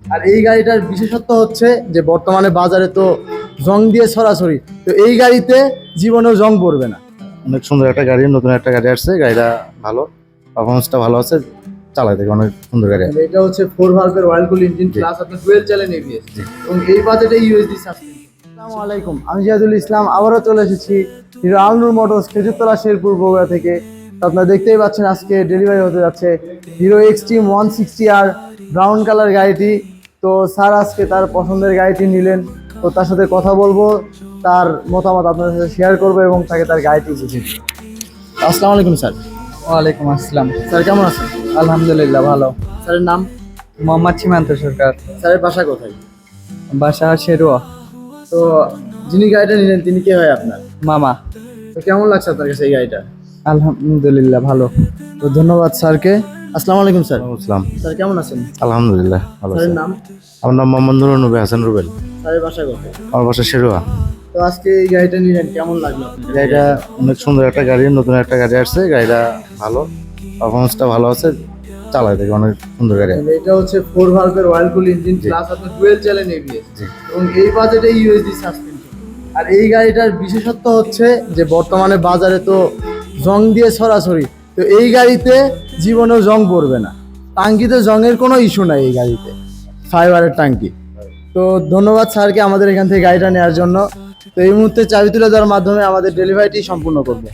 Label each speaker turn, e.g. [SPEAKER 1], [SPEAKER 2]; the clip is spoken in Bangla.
[SPEAKER 1] আর এই গাড়িটার বিশেষত্ব হচ্ছে যে বর্তমানে বাজারে তো জং দিয়ে ছড়াছড়ি, তো এই গাড়িতে জীবনেও জং পড়বে না।
[SPEAKER 2] অনেক সুন্দর একটা গাড়ি, নতুন একটা গাড়ি আসছে, গাড়িটা ভালো, পারফরমেন্সটা ভালো আছে, চালাই দেখে অনেক সুন্দর গাড়ি।
[SPEAKER 1] এটা হচ্ছে 4 ভালভের অয়েল কুল ইঞ্জিন প্লাস আপনার ডুয়েল চ্যানেল এবিএস এবং এই বাজেটে ইউএসডি সাসপেনশন। আসসালামু আলাইকুম, আমি জিয়াদুল ইসলাম আবারও চলে এসেছি হিরো আলনুর মোটরস খেজুরতলা শেরপুর বগুড়া থেকে। তো আপনারা দেখতেই পাচ্ছেন আজকে ডেলিভারি হতে যাচ্ছে হিরো এক্সট্রিম 160 আর ব্রাউন কালার গাড়িটি। তো স্যার আজকে তার পছন্দের গাড়িটি নিলেন, তো তার সাথে কথা বলবো, তার মতামত আপনাদের সাথে শেয়ার করবো এবং তাকে তার গাড়িটি বুঝিয়ে দেব। আসসালামু আলাইকুম স্যার।
[SPEAKER 3] ওয়ালাইকুম আসসালাম।
[SPEAKER 1] স্যার কেমন আছেন?
[SPEAKER 3] আলহামদুলিল্লাহ ভালো।
[SPEAKER 1] স্যারের নাম?
[SPEAKER 3] মোহাম্মদ সীমান্ত সরকার।
[SPEAKER 1] স্যারের বাসা কোথায়?
[SPEAKER 3] বাসা শেরুয়া।
[SPEAKER 1] তো যিনি গাড়িটা নিলেন তিনি কে হয় আপনার?
[SPEAKER 3] মামা।
[SPEAKER 1] তো কেমন লাগছে আপনার কাছে এই গাড়িটা?
[SPEAKER 3] আলহামদুলিল্লাহ ভালো।
[SPEAKER 1] তো ধন্যবাদ স্যারকে। আসসালামু আলাইকুম স্যার।
[SPEAKER 2] আসসালাম।
[SPEAKER 1] স্যার কেমন আছেন?
[SPEAKER 2] আলহামদুলিল্লাহ ভালো আছে।
[SPEAKER 1] স্যারের নাম?
[SPEAKER 2] আমার নাম মোহাম্মদ নুরুল নবী হাসান রুবেল।
[SPEAKER 1] স্যারের বাসা কোথায়?
[SPEAKER 2] আমার বাসা শেরুয়া।
[SPEAKER 1] তো আজকে এই গাড়িটা নিলেন, কেমন লাগলো আপনার?
[SPEAKER 2] গাড়িটা অনেক সুন্দর একটা গাড়ি, নতুন একটা গাড়ি আসছে, গাড়িটা ভালো, পারফরমেন্সটা ভালো আছে, চালাই দেখে অনেক সুন্দর গাড়ি।
[SPEAKER 1] এটা হচ্ছে 4 ভালভের অয়েল কুল ইঞ্জিন প্লাস আপনার ডুয়েল চ্যানেল এবিএস এবং এই বাজেটে ইউএসডি সাসপেনশন। আর এই গাড়িটার বিশেষত্ব হচ্ছে যে বর্তমানে বাজারে তো জং দিয়ে ছড়াছড়ি, তো এই গাড়িতে জীবনেও জং পড়বে না। টাঙ্কিতে জংয়ের কোনো ইস্যু নাই এই গাড়িতে, ফাইবারের টাঙ্কি। তো ধন্যবাদ স্যারকে আমাদের এখান থেকে গাড়িটা নেওয়ার জন্য। তো এই মুহূর্তে চাবি তুলে দেওয়ার মাধ্যমে আমাদের ডেলিভারিটি সম্পূর্ণ করবো।